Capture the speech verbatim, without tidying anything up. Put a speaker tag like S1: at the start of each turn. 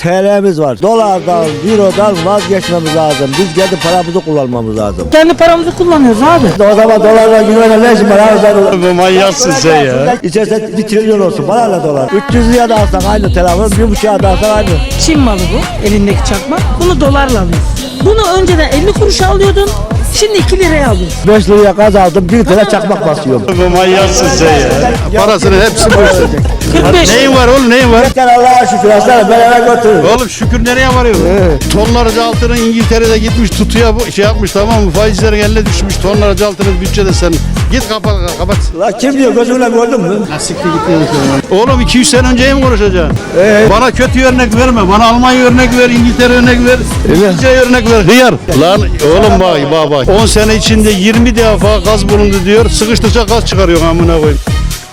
S1: T L'miz var. Dolardan, eurodan vazgeçmemiz lazım. Biz kendi paramızı kullanmamız lazım.
S2: Kendi paramızı kullanıyoruz abi.
S1: O zaman dolarla euroyla ne işin var abi?
S3: Bu manyaksın sen ya.
S1: İçerse bir trilyon olsun. Bana ne dolar? üç yüz liraya da alsan aynı telefon, bir buçuğa da alsan aynı.
S2: Çin malı bu, elindeki çakma. Bunu dolarla alıyorsun. Bunu önceden elli kuruşa alıyordun. Şimdi iki liraya alıyorsun.
S1: beş liraya gaz aldım, bir tane çakmak basıyorum.
S3: Bu manyaksın sen ya. Parasını hepsi bu işte.
S2: kırk beş.
S3: Neyin var oğlum neyin var?
S1: Yeter Allah'a şükür aslanım, ben eve götürürüm.
S3: Oğlum şükür nereye varıyor? Tonlarca altının İngiltere'de gitmiş tutuya bu şey yapmış tamam mı? Faizlerin eline düşmüş tonlarca altının bütçede senin. Git kapat kapat.
S1: La kim diyor, gözümle gördün mü?
S3: Oğlum iki yüz sene önceyi mi konuşacaksın?
S1: Ee?
S3: Bana kötü örnek verme. Bana Almanya örnek ver, İngiltere örnek ver, İngilizce örnek ver. Hıyar. Lan oğlum bak bak bak. on sene içinde yirmi defa gaz bulundu diyor. Sıkıştıkça gaz çıkarıyor amına koyayım.